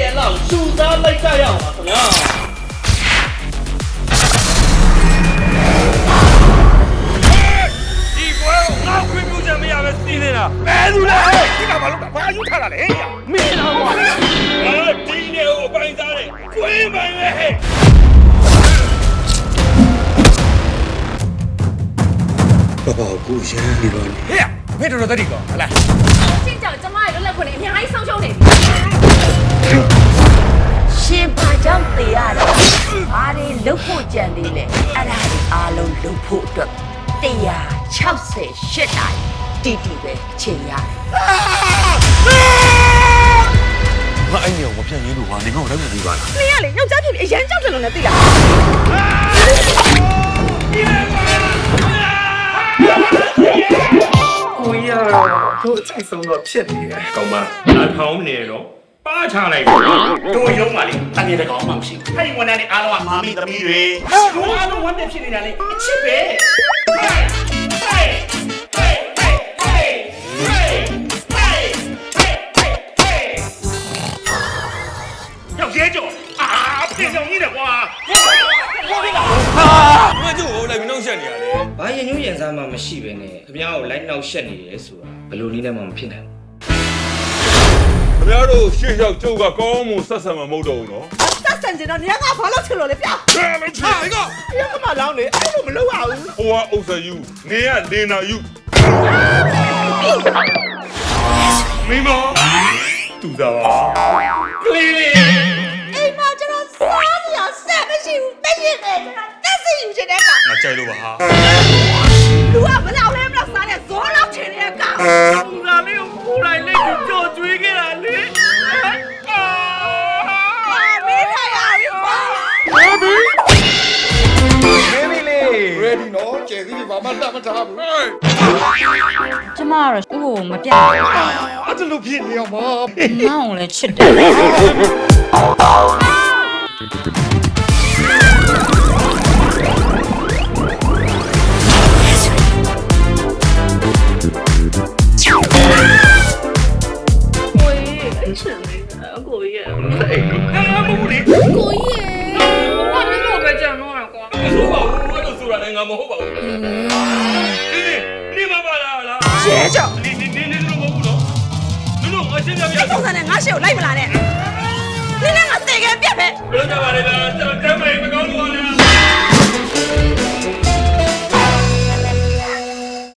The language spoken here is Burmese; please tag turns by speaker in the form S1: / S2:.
S1: အလောက်စူစားလိုက်ကြရအောင်ပါခင်ဗျာ
S2: ဒီကွယ်ငါခွင့်ပြုချက်မရပဲစီးနေတာဘယ်သူလဲဒီကဘာလို့ဘာယူထားတာလဲမင်းတော့ကွာဒီနေကိုအပိုင်းစားတယ်ခွင့်ပိုင်ပဲဟဲ့
S3: ဘာကိုရမ်းနေတော့
S2: ဟဲ့မင်းတို့တတိကောဟလား
S4: ချင်းကြောင့်ကျမရဲ့လွတ်လပ်ခွင့်နဲ့အများကြီးဆုံးရှုံးနေပြီရှင်ဘာကြောင့်တေးရလဲဘာတွေလုတ်ဖို့ကြံသေးလဲအဲ့ဒါတွေအားလုံးလုတ်ဖို့အတွက်168တိုင်တီတီပဲချိန်ရတယ်
S2: ငါအဲ့ညောင်မပြတ်ရင်းလို့ဟာနေငါ့ကိုလည်းမပြီးပါလား
S4: နင်ကလေယောက်ျားဖြစ်ပြီးအရန်ကြောက်တယ်လို့လည်းသိလား
S1: ကိုရတို့စိတ်ဆုံးတော့ဖြစ်နေတယ်
S2: ကောင်းပါလာထောင်းနေတော့ပါချလိုက်
S5: တို့ရုံးပါလေတကယ်တကောင်မှမရှိဘူးအဲ့ဒီဝန်ထမ်းတွေအားလုံးကမာမီသမီးတွေတို့အားလုံးဝန်ထမ်းဖြစ်နေတာလေအချစ်ပဲရောက်ရဲကြောအာပြင်ဆောင်ကြီးတယ်ကွာ
S2: မကျိုးလိုက်မနှောက်ရှက်နေရလေ
S1: ဘာရင်ညွှန်းရင်စားမှမရှိပဲနဲ့ခင်ဗျားကိုလိုက်နှောက်ရှက်နေရဲဆိုတာဘယ်လိုနည်းနဲ့မှမဖြစ်နိုင်ဘူး
S2: ခင်ဗျားတို့ရှေ့ရောက်ကျုပ်ကကောင်းမှုဆက်ဆံမှာမဟုတ်တော့ဘူးနော်
S4: ဆက်ဆံကြတော့နေကဘာလို့ချင်လို့လဲပြ
S2: ဘယ်လိုချင်လဲက
S4: ရကမလောင်းလေအဲ့လိုမလုပ်ရဘူး
S2: ဟိုကဥစ္စာယူနေရလေနာယူမိမတူတာကလေးလေး
S4: အိမ်မှာကျွန်တော်စားနေရဆက်မရှိဘူးတည့်ရင်တယ်ကျွန်တော်တက်စီယူချင်တဲ့က
S2: ငါကြိုက်လို့ပါဟာ
S4: လူကမလောက်လဲမလောက်စားတဲ့ဇောလောက်ချင်တဲ့က
S2: လူကလေးကိုကိုယ်တိုင်လက်ကိုကြော်ကျွေးခဲ့တာလေ
S4: မေးထိုင်ရပြီကွာ
S3: Baby လေး ready နော်ကျဲစီဘာမှတတ်မထားဘူး
S6: ကျမကတော့သူ့ကိုမပြတ်ဘူး
S3: အဲ့ဒါလို့ဖြစ်နေအောင်ပါ
S6: ငါ့ကိုလည်းချစ်တယ်
S4: ကိုကြီးငါမဟုတ်လေကိုကြီးငါမျိုးတော့ပဲကြံတော့ရကွာ
S2: မဟုတ်ပါဘူးအဲ့လိုဆိုတာလည်းငါမဟုတ်ပါဘူးနေမပါလား
S4: ရဲကြောင့်
S2: နေလို့မဟုတ်ဘူးနော်လူအချင်းများများ
S4: ပုံစံနဲ့ငါရှေ့ကိုလိုက်မလာနဲ့နင်းနဲ့ငါတေခဲပြက်ပဲ
S2: ဘယ်လိုကြပါလဲလားကျွန်တော်တမ်းမရင်မကောင်းလို့ပါလား